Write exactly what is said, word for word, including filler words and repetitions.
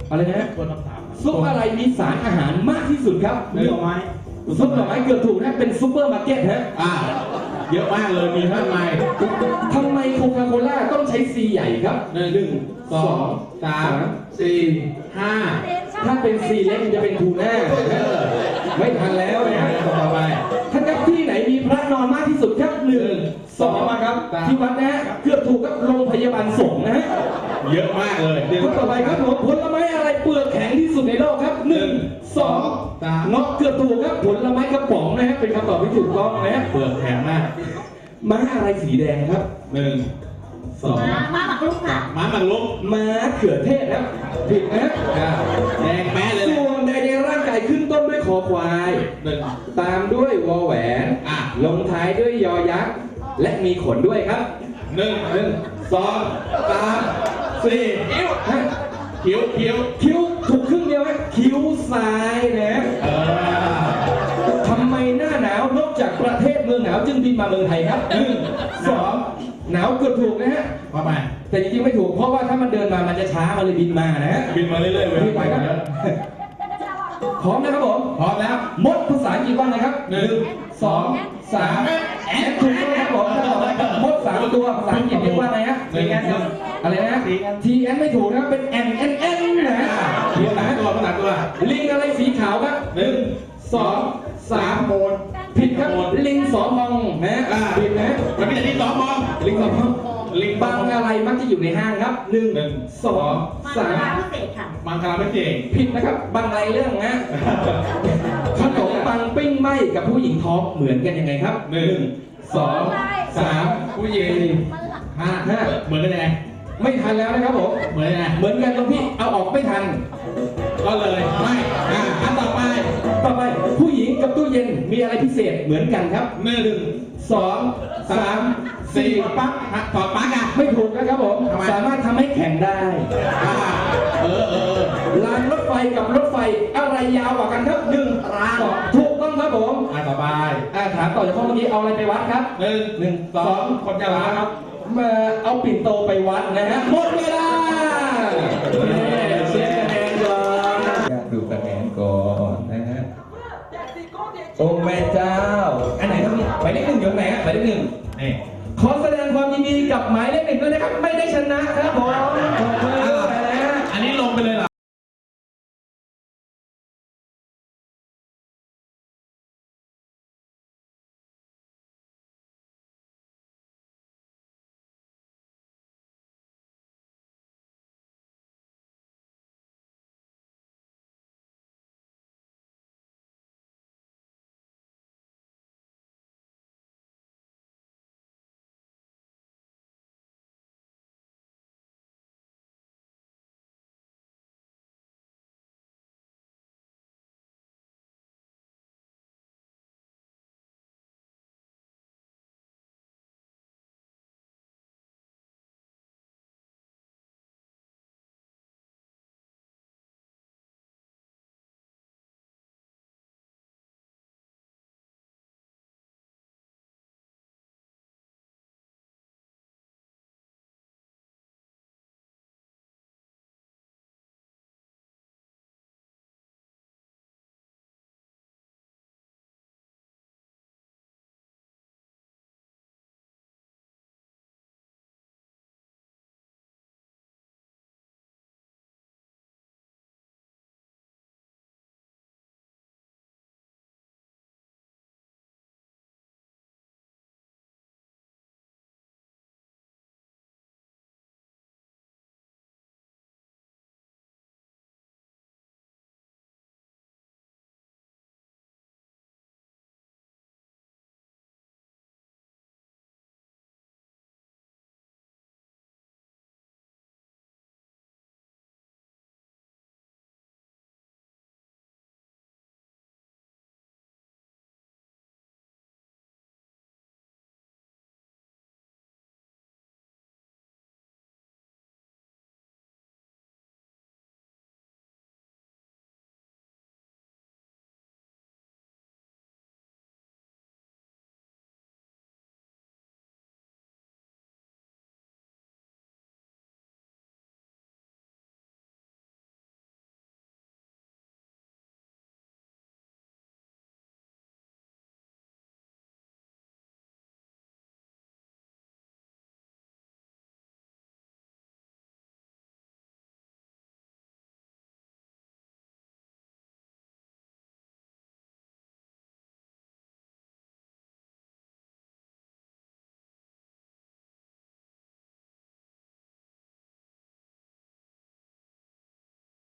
อะไรนะตัวคำถามซุปอะไรมีสารอาหารมากที่สุดครับหน่อไม้ซุปหน่อไม้เกือบถูกนะเป็นซุปเปอร์มาร์เก็ตฮะอ่าเยอะมากเลยมีมากมายทำไมโคคาโคล่าต้องใช้ซีใหญ่ครับหนึ่งสองสามสี่ห้าถ้าเป็นซีเล็กมันจะเป็นทูน่าไม่ทันแล้วนะต่อไปท่านครับที่ไหนมีพระนอนมากที่สุดครับหนึ่งสองมาครับที่วัดนะฮะเกือบถูกครับโรงพยาบาลสงฆ์นะฮะเยอะมากเลยเดี๋ยวคนต่อไปครับผมผลไม้อะไรเปลือกแข็งที่สุดในโลกครับหนึ่งสองสามนกเกือบถูกครับผลไม้กระป๋องนะฮะเป็นคำตอบที่ถูกต้องนะฮะเปลือกแข็งมากม้าอะไรสีแดงครับหนึ่งสองมามาหมักลูกค่ะม้าหมักลุกม้าเขือเทศครับผิดนะแดงแม่เลยแหละส่วนใดในร่างกายขึ้นต้นด้วยคอควายหนึ่งตามด้วยวอแหวนอ่ะลงท้ายด้วยยอยักษ์และมีขนด้วยครับหนึ่งหนึ่งสองสามสี่คิ้วฮะคิ้วคิ้วคิ้วถูกครึ่งเดียวไหมคิ้วซ้ายนะเออทำไมหน้าหนาวนอกจากประเทศเมืองหนาวจึงบินมาเมืองไทยครับหนึ่งสองหนาวเกือบถูกนะฮะเข้าไปแต่จริงๆไม่ถูกเพราะว่าถ้ามันเดินมามันจะช้ามันเลยบินมานะฮะบินมาเรื่อยๆเว้ยบินไปครับพร้อมนะครับผมพร้อมแล้วมดภาษาอังกฤษว่าไงครับหนึ่งสองสามแอนถูกต้องครับผมถ้าบอกมดสามตัวภาษาอังกฤษเรียกว่าไงฮะหนึ่งหนึ่งอะไรนะทีแอนไม่ถูกนะครับเป็นแอนแอนแอนนะฮะภาษาตัวภาษาตัวลิงอะไรสีขาวครับหนึ่งสองสามโมนผิดครับลิงสองมองนะอ่าผิดนะมันมีแต่ที่สองมองลิงสองมองลิงบางอะไรมักจะอยู่ในห้างครับหนึ่งหนึ่งสองมาสามพิเศษค่ะมังคลาไม่เก่งผิดนะครับบางไรเรื่องนะขนมปังปิ้งไหมกับผู้หญิงท้องเหมือนกันยังไงครับหนึ่งสองสามผู้หญิงห้าห้าเหมือนกันยังไงไม่ทันแล้วนะครับผมเหมือนยังไงเหมือนกันตรงที่เอาออกไม่ทันก็เลยไม่อ่าอันต่อไปต่อไปผู้หญิงกับตู้เย็นมีอะไรพิเศษเหมือนกันครับหนึ่งสองสามสี่สี่ปั๊บต่อปั๊กอ่ะไม่ถูกนะครับผมทำไมสามารถทำให้แข่งได้อ่าเออเออรางรถไฟกับรถไฟอะไรยาวกว่ากันครับหนึ่งสองถูกต้องครับผมอ่าต่อไปอ่าถามต่อจากข้อเมื่อกี้เอาอะไรไปวัดครับหนึ่งหนึ่งสองคนยาลาครับมาเอาปิ่นโตไปวัดนะฮะหมดเวลาเย้เช็คคะแนนก่อนอยากดูคะแนนก่อนนะฮะโอ้แม่เจ้าอันไหนครับหมายเลขหนึ่งอยู่ไหนฮะหมายเลขหนึ่งนี่ขอแสดงความยินดีกับหมายเลขหนึ่งด้วยนะครับไม่ได้ชนะครับผมอะไร